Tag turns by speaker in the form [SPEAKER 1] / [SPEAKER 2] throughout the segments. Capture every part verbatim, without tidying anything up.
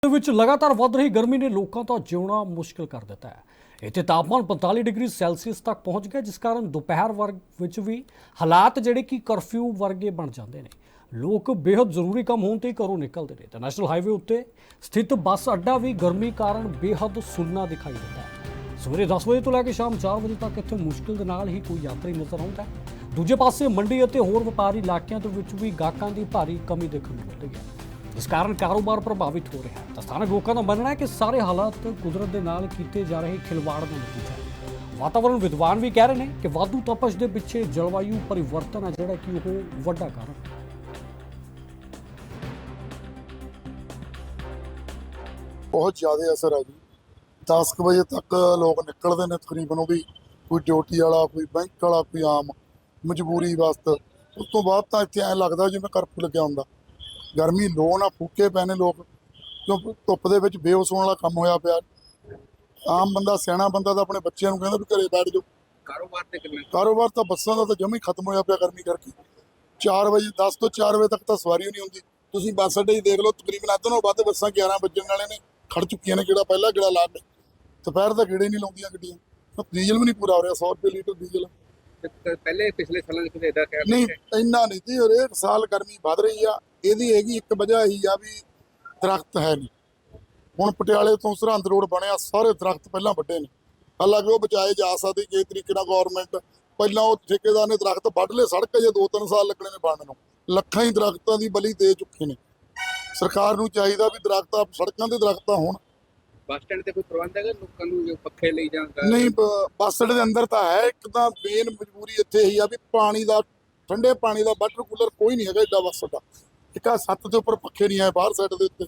[SPEAKER 1] ਵਿੱਚ ਲਗਾਤਾਰ ਵੱਧ ਰਹੀ ਗਰਮੀ ਨੇ ਲੋਕਾਂ ਦਾ ਜਿਉਣਾ ਮੁਸ਼ਕਿਲ ਕਰ ਦਿੱਤਾ ਹੈ। ਇੱਥੇ ਤਾਪਮਾਨ ਪੰਤਾਲੀ ਡਿਗਰੀ ਸੈਲਸੀਅਸ ਤੱਕ ਪਹੁੰਚ ਗਿਆ, ਜਿਸ ਕਾਰਨ ਦੁਪਹਿਰ ਵਰਗ ਵਿੱਚ ਵੀ ਹਾਲਾਤ ਜਿਹੜੇ ਕਿ ਕਰਫਿਊ ਵਰਗੇ ਬਣ ਜਾਂਦੇ ਨੇ। ਲੋਕ ਬੇहद ਜ਼ਰੂਰੀ ਕੰਮ ਹੋਣ ਤੇ ਘਰੋਂ ਨਿਕਲਦੇ ਨੇ। ਤਾਂ ਨੈਸ਼ਨਲ ਹਾਈਵੇ ਉੱਤੇ ਸਥਿਤ ਬੱਸ ਅੱਡਾ ਵੀ ਗਰਮੀ ਕਾਰਨ ਬੇहद ਸੁੰਨਾ ਦਿਖਾਈ ਦਿੰਦਾ ਹੈ। ਸਵੇਰੇ ਦਸ ਵਜੇ ਤੋਂ ਲੈ ਕੇ ਸ਼ਾਮ ਚਾਰ ਵਜੇ ਤੱਕ ਇੱਥੇ ਮੁਸ਼ਕਿਲ ਦੇ ਨਾਲ ਹੀ ਕੋਈ ਯਾਤਰੀ ਨਜ਼ਰ ਆਉਂਦਾ ਹੈ। ਦੂਜੇ ਪਾਸੇ ਮੰਡੀ ਅਤੇ ਹੋਰ ਵਪਾਰੀ ਇਲਾਕਿਆਂ ਦੇ ਵਿੱਚ ਵੀ ਗਾਹਕਾਂ ਦੀ ਭਾਰੀ ਕਮੀ ਦੇਖਣ ਨੂੰ ਮਿਲਦੀ ਹੈ, ਜਿਸ ਕਾਰਨ ਕਾਰੋਬਾਰ ਪ੍ਰਭਾਵਿਤ ਹੋ ਰਿਹਾ ਹੈ। ਤਾਂ ਸਥਾਨਕ ਲੋਕਾਂ ਦਾ ਮੰਨਣਾ ਹੈ ਕਿ ਸਾਰੇ ਹਾਲਾਤ ਕੁਦਰਤ ਦੇ ਨਾਲ ਕੀਤੇ ਜਾ ਰਹੇ ਖਿਲਵਾੜ ਦਾ ਨਤੀਜਾ ਹੈ। ਵਾਤਾਵਰਣ ਵਿਦਵਾਨ ਵੀ ਕਹਿ ਰਹੇ ਨੇ ਕਿ ਵਾਧੂ ਤਪਸ਼ ਦੇ ਪਿੱਛੇ ਜਲਵਾਯੂ ਪਰਿਵਰਤਨ ਹੈ, ਜਿਹੜਾ ਕਿ ਉਹ ਵੱਡਾ ਕਾਰਨ ਹੈ।
[SPEAKER 2] बहुत ज़्यादा असर है जी। दस क बजे तक लोग निकलते हैं तकरीबन, वो भी कोई ड्यूटी वाला, कोई बैंक वाला, कोई आम मजबूरी वास्ते। उस तो बाद तो इतने ऐ लगता जिवें करफ्यू लग्या हुंदा। गर्मी लो ना फूके पै ने लोग, क्यों धुप्प दे विच बेहोश होने वाला काम होया पिया। आम बंदा सियाणा बंदा तो अपने बच्चों को कहता भी घरे बैठ जाओ।
[SPEAKER 3] कारोबार ते किन्ना
[SPEAKER 2] कारोबार तो बसां दा तो जमी खत्म होया पिया गर्मी करके। चार बजे दस तो चार बजे तक तो सवारी नहीं होंदी। तुसीं बस अड्डे देख लो, तकरीबन अद्ध नालों वध बसां ग्यारह बजण वाले ने खड़ चुकी ने। गेड़ा पहला गेड़ा ला के दोपहर का गेड़े नहीं लाउंदियां गड्डियां। डीजल भी नहीं पूरा हो रहा, सौ रुपये लीटर डीजल
[SPEAKER 3] पहले पिछले सालों में इदा कह
[SPEAKER 2] नहीं इन्ना नहीं जी। और एक साल गर्मी बढ़ रही आ, ਇਹਦੀ ਹੈਗੀ ਇੱਕ ਵਜ੍ਹਾ ਇਹੀ ਆ ਵੀ ਦਰਖਤ ਹੈ ਨਹੀਂ। ਹੁਣ ਪਟਿਆਲੇ ਤੋਂ ਸਰਹੰਦ ਰੋਡ ਬਣਿਆ, ਸਾਰੇ ਦਰਖਤ ਪਹਿਲਾਂ ਵੱਡੇ ਨੇ। ਹਾਲਾਂਕਿ ਉਹ ਬਚਾਏ ਜਾ ਸਕਦੇ ਕਿਸੇ ਤਰੀਕੇ ਨਾਲ। ਗਵਰਨਮੈਂਟ ਪਹਿਲਾਂ ਉਹ ਠੇਕੇਦਾਰ ਨੇ ਦਰਖਤ ਵੱਢ ਲਏ, ਸੜਕ ਜੇ ਦੋ ਤਿੰਨ ਸਾਲ ਲੱਗਣੇ ਨੇ ਬਣਨ ਨੂੰ। ਲੱਖਾਂ ਹੀ ਦਰਖਤਾਂ ਦੀ ਬਲੀ ਦੇ ਚੁੱਕੇ ਨੇ। ਸਰਕਾਰ ਨੂੰ ਚਾਹੀਦਾ ਵੀ ਦਰਖਤਾਂ ਸੜਕਾਂ ਦੇ ਦਰਖਤਾਂ ਹੋਣ।
[SPEAKER 3] ਬੱਸ ਸਟੈਂਡ ਤੇ ਕੋਈ ਪ੍ਰਬੰਧ ਹੈਗਾ ਲੋਕਾਂ ਨੂੰ ਜੋ ਪੱਖੇ ਲਈ ਜਾਂਦਾ?
[SPEAKER 2] ਨਹੀਂ, ਬ- ਬੱਸ ਅੱਡੇ ਦੇ ਅੰਦਰ ਤਾਂ ਹੈ। ਇੱਕ ਤਾਂ ਮੇਨ ਮਜਬੂਰੀ ਇੱਥੇ ਇਹੀ ਆ ਵੀ ਪਾਣੀ ਦਾ, ਠੰਡੇ ਪਾਣੀ ਦਾ ਵਾਟਰ ਕੂਲਰ ਕੋਈ ਨਹੀਂ ਹੈਗਾ ਏਡਾ ਬੱਸ ਅੱਡਾ। ਇੱਕ ਆ ਛੱਤ ਦੇ ਉੱਪਰ ਪੱਖੇ ਨਹੀਂ ਆਏ ਬਾਹਰ ਸਾਈਡ ਦੇ ਉੱਤੇ।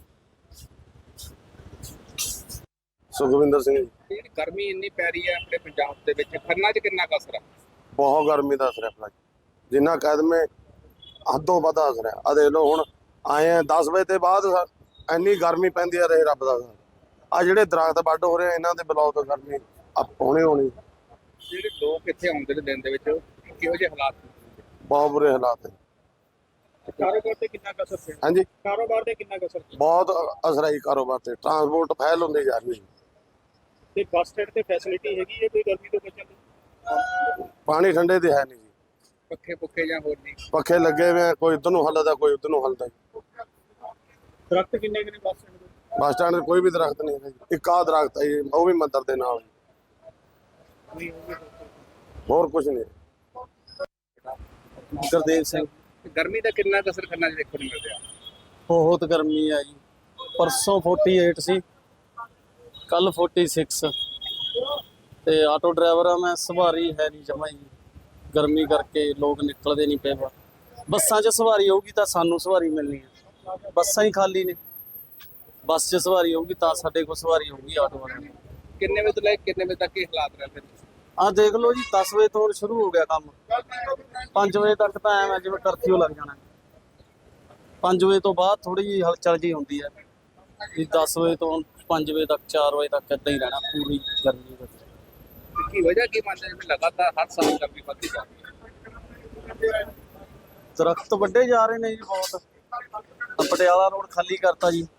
[SPEAKER 4] ਸੁਖਵਿੰਦਰ ਸਿੰਘ ਜੀ।
[SPEAKER 3] ਜਿਹੜੀ ਗਰਮੀ ਇੰਨੀ ਪੈ ਰਹੀ ਹੈ ਆਪਣੇ ਪੰਜਾਬ ਦੇ ਵਿੱਚ, ਖੰਨਾ 'ਚ ਕਿੰਨਾ ਕੁ ਅਸਰ ਹੈ?
[SPEAKER 4] ਬਹੁਤ ਗਰਮੀ ਦਾ ਅਸਰ ਹੈ ਭਲਾ ਜੀ। ਜਿੰਨਾ ਕਦਮੇ ਹੱਦੋਂ ਵੱਧ ਅਸਰ ਹੈ। ਆ ਦੇਖ ਲਓ ਹੁਣ ਆਏ ਆ ਦਸ ਵਜੇ ਤੋਂ ਬਾਅਦ ਇੰਨੀ ਗਰਮੀ ਪੈਂਦੀ ਆ, ਰਹੇ ਰੱਬ ਦਾ। ਆ ਜਿਹੜੇ ਦਰਖਤ ਵੱਢ ਹੋ ਰਹੇ ਇਹਨਾਂ ਦੇ ਬਲੌਕ ਤੋਂ ਗਰਮੀ ਆ ਹੋਣੀ ਹੋਣੀ।
[SPEAKER 3] ਜਿਹੜੇ ਲੋਕ ਇੱਥੇ ਆਉਂਦੇ ਨੇ ਦਿਨ ਦੇ ਵਿੱਚ, ਕਿਹੋ ਜਿਹੇ ਹਾਲਾਤ ਨੇ?
[SPEAKER 4] ਬਹੁਤ ਬੁਰੇ ਹਾਲਾਤ ਹੈ।
[SPEAKER 3] ਕਾਰੋਬਾਰ ਤੇ ਕਿੰਨਾ ਕੁ ਅਸਰ ਪਿਆ?
[SPEAKER 4] ਹਾਂਜੀ,
[SPEAKER 3] ਕਾਰੋਬਾਰ ਤੇ ਕਿੰਨਾ ਕੁ ਅਸਰ ਪਿਆ?
[SPEAKER 4] ਬਹੁਤ ਅਸਰ ਹੈ ਕਾਰੋਬਾਰ ਤੇ। ਟਰਾਂਸਪੋਰਟ ਫੈਲ ਹੁੰਦੀ ਜਾ ਰਹੀ ਹੈ।
[SPEAKER 3] ਤੇ ਬੱਸ ਸਟੈਂਡ ਤੇ ਫੈਸਿਲਿਟੀ ਹੈਗੀ ਹੈ ਕੋਈ ਗਰਮੀ ਤੋਂ ਬਚਣ ਦੀ?
[SPEAKER 4] ਪਾਣੀ ਠੰਡੇ ਤੇ ਹੈ ਨਹੀਂ ਜੀ।
[SPEAKER 3] ਪੱਖੇ ਪੁੱਖੇ ਜਾਂ ਹੋਰ ਨਹੀਂ?
[SPEAKER 4] ਪੱਖੇ ਲੱਗੇ ਹੋਏ ਆ, ਕੋਈ ਇੱਧਰ ਨੂੰ ਹੱਲਦਾ, ਕੋਈ ਉੱਧਰ ਨੂੰ ਹੱਲਦਾ।
[SPEAKER 3] ਦਰਖਤ ਕਿੰਨੇ ਕਿੰਨੇ ਬੱਸ ਸਟੈਂਡ ਦੇ?
[SPEAKER 4] ਬੱਸ ਸਟੈਂਡ ਤੇ ਕੋਈ ਵੀ ਦਰਖਤ ਨਹੀਂ ਹੈਗਾ ਜੀ। ਇੱਕ ਆਹ ਦਰਖਤ ਹੈ ਜੀ, ਉਹ ਵੀ ਮੰਦਰ ਦੇ ਨਾਲ।
[SPEAKER 3] ਨਹੀਂ ਹੋਊਗੇ।
[SPEAKER 4] ਹੋਰ ਕੁਝ ਨਹੀਂ।
[SPEAKER 5] ਗੁਰਦੇਵ ਸਿੰਘ।
[SPEAKER 3] ਗਰਮੀ ਦਾ ਕਿੰਨਾ ਕੁ ਅਸਰ ਖੰਨਾ 'ਚ ਦੇਖਣ ਨੂੰ ਮਿਲ ਰਿਹਾ?
[SPEAKER 5] ਬਹੁਤ ਗਰਮੀ ਆ ਜੀ। ਪਰਸੋਂ ਅੜਤਾਲੀ ਸੀ, ਕੱਲ छियालीस। ਤੇ ਆਟੋ ਡਰਾਈਵਰ ਆ ਮੈਂ, ਸਵਾਰੀ ਹੈ ਨਹੀਂ ਜਮਾਂ ਜੀ। ਗਰਮੀ ਕਰਕੇ ਲੋਕ ਨਿਕਲਦੇ ਨਹੀਂ ਪਏ। ਬੱਸਾਂ 'ਚ ਸਵਾਰੀ ਹੋਊਗੀ ਤਾਂ ਸਾਨੂੰ ਸਵਾਰੀ ਮਿਲਣੀ ਹੈ, ਬੱਸਾਂ ਹੀ ਖਾਲੀ ਨੇ। ਬੱਸ 'ਚ ਸਵਾਰੀ ਹੋਊਗੀ ਤਾਂ ਸਾਡੇ ਕੋਲ ਸਵਾਰੀ ਹੋਊਗੀ ਆਟੋ ਵਾਲਿਆਂ ਦੀ।
[SPEAKER 3] ਕਿੰਨੇ ਵਜੇ ਤੋਂ ਲੈ ਕੇ ਕਿੰਨੇ ਵਜੇ ਤੱਕ ਇਹ ਹਾਲਾਤ ਰਹਿੰਦੇ ਨੇ?
[SPEAKER 5] ਆਹ ਦੇਖ ਲਓ ਜੀ, ਦਸ ਵਜੇ ਤੋਂ ਸ਼ੁਰੂ ਹੋ ਗਿਆ ਕੰਮ। ਪੰਜ ਵਜੇ ਤੱਕ ਤਾਂ ਐਵੇਂ ਜਿਵੇਂ ਕਰਫਿਊ ਲੱਗ ਜਾਣਾ। ਪੰਜ ਵਜੇ ਤੋਂ ਬਾਅਦ ਥੋੜੀ ਜਿਹੀ ਹਲਚਲ ਜੀ ਹੁੰਦੀ ਹੈ ਜੀ। ਦਸ ਵਜੇ ਤੋਂ ਪੰਜ ਵਜੇ ਤੱਕ, ਚਾਰ ਵਜੇ ਤੱਕ ਇੱਦਾਂ ਹੀ ਰਹਿਣਾ ਪੂਰੀ ਗਰਮੀ ਵਿੱਚ।
[SPEAKER 3] ਕੀ ਵਜ੍ਹਾ ਕੀ ਮੰਨਦੇ ਜਿਵੇਂ ਲਗਾਤਾਰ ਹਰ ਸਾਲ ਗਰਮੀ ਵੱਧਦੀ ਜਾ ਰਹੀ ਹੈ?
[SPEAKER 5] ਦਰਖਤ ਵੱਡੇ ਜਾ ਰਹੇ ਨੇ ਜੀ ਬਹੁਤ। ਪਟਿਆਲਾ ਰੋਡ ਖਾਲੀ ਕਰਤਾ ਜੀ।